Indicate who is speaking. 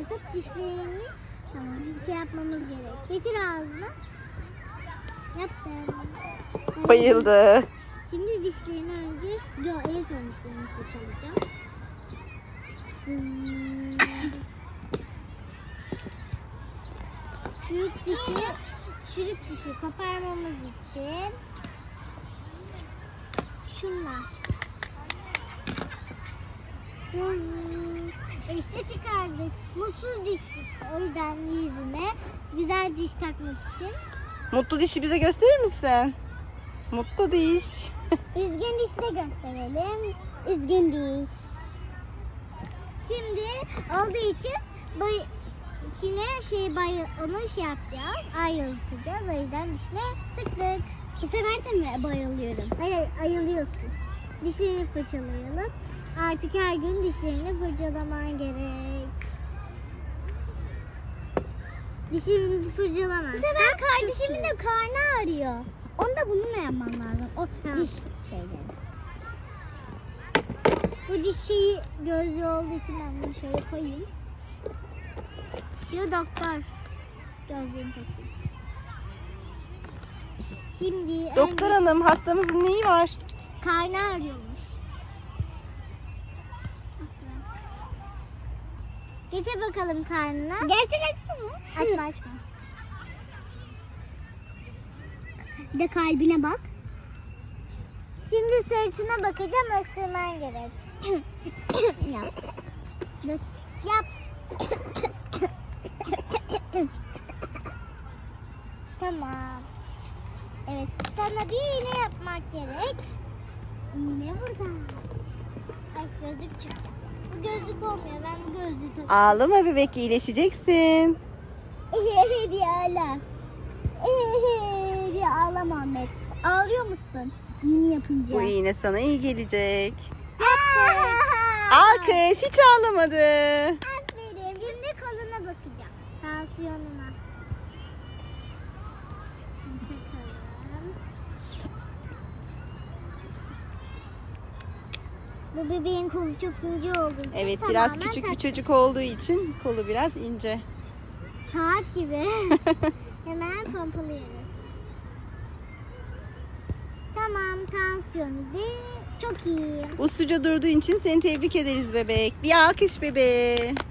Speaker 1: fırlatıp dişlerini şey yapmamız gerek. Getir ağzına. Yaptım.
Speaker 2: Bayıldı.
Speaker 1: Şimdi dişlerini önce en son dişlerini fırçalayacağım. Çürük dişi koparmamız için şunla. İşte çıkardık. Mutsuz diş çıktı. O yüzden yüzüne güzel diş takmak için.
Speaker 2: Mutlu dişi bize gösterir misin? Mutlu diş.
Speaker 1: Üzgün dişi de gösterelim. Üzgün diş. Şimdi olduğu için yine onu şey yapacağız. Ayrıltacağız. O yüzden dişine sıktık. Bu sefer de mi bayılıyorum? Hayır, ayılıyorsun. Dişlerini fırçalayalım. Artık her gün dişlerini fırçalaman gerek. Dişini fırçalama. Bu sefer kardeşimin de karnı ağrıyor. Onu da bununla yapmam lazım. O diş şeyleri. Bu diş şeyi gözlü olduğu için ben bunu şöyle koyayım. Şu doktor. Gözlüğünü takayım. Şimdi
Speaker 2: Doktor hanım, hastamızın neyi var?
Speaker 1: karnı ağrıyormuş. Getir bakalım karnına. Gerçek açsın mı? Açma açma. Bir de kalbine bak. Şimdi sırtına bakacağım, öksürmen gerek. Yap. Dur. Yap. Tamam. Evet, sana bir iğne yapmak gerek. İğne burada. Ay, gözlük çıktı. Bu gözlük olmuyor, ben bu gözlüğü takıyorum.
Speaker 2: Ağlama bebek, iyileşeceksin.
Speaker 1: Diye ağla. Diye ağlama Ahmet. Ağlıyor musun? İğne yapınca.
Speaker 2: Bu iğne sana iyi gelecek.
Speaker 1: Yaptım.
Speaker 2: Alkış, hiç ağlamadı.
Speaker 1: Aferin. Şimdi koluna bakacağım. Tansiyonuna. Şimdi takalım. Bu bebeğin kolu çok ince olduğu için
Speaker 2: Evet, biraz
Speaker 1: tamamen
Speaker 2: küçük bir çocuk olduğu için kolu biraz ince.
Speaker 1: saat gibi. Hemen pompalıyoruz. Tamam, tansiyonu çok iyi.
Speaker 2: Usluca durduğun için seni tebrik ederiz bebek. Bir alkış bebeğe.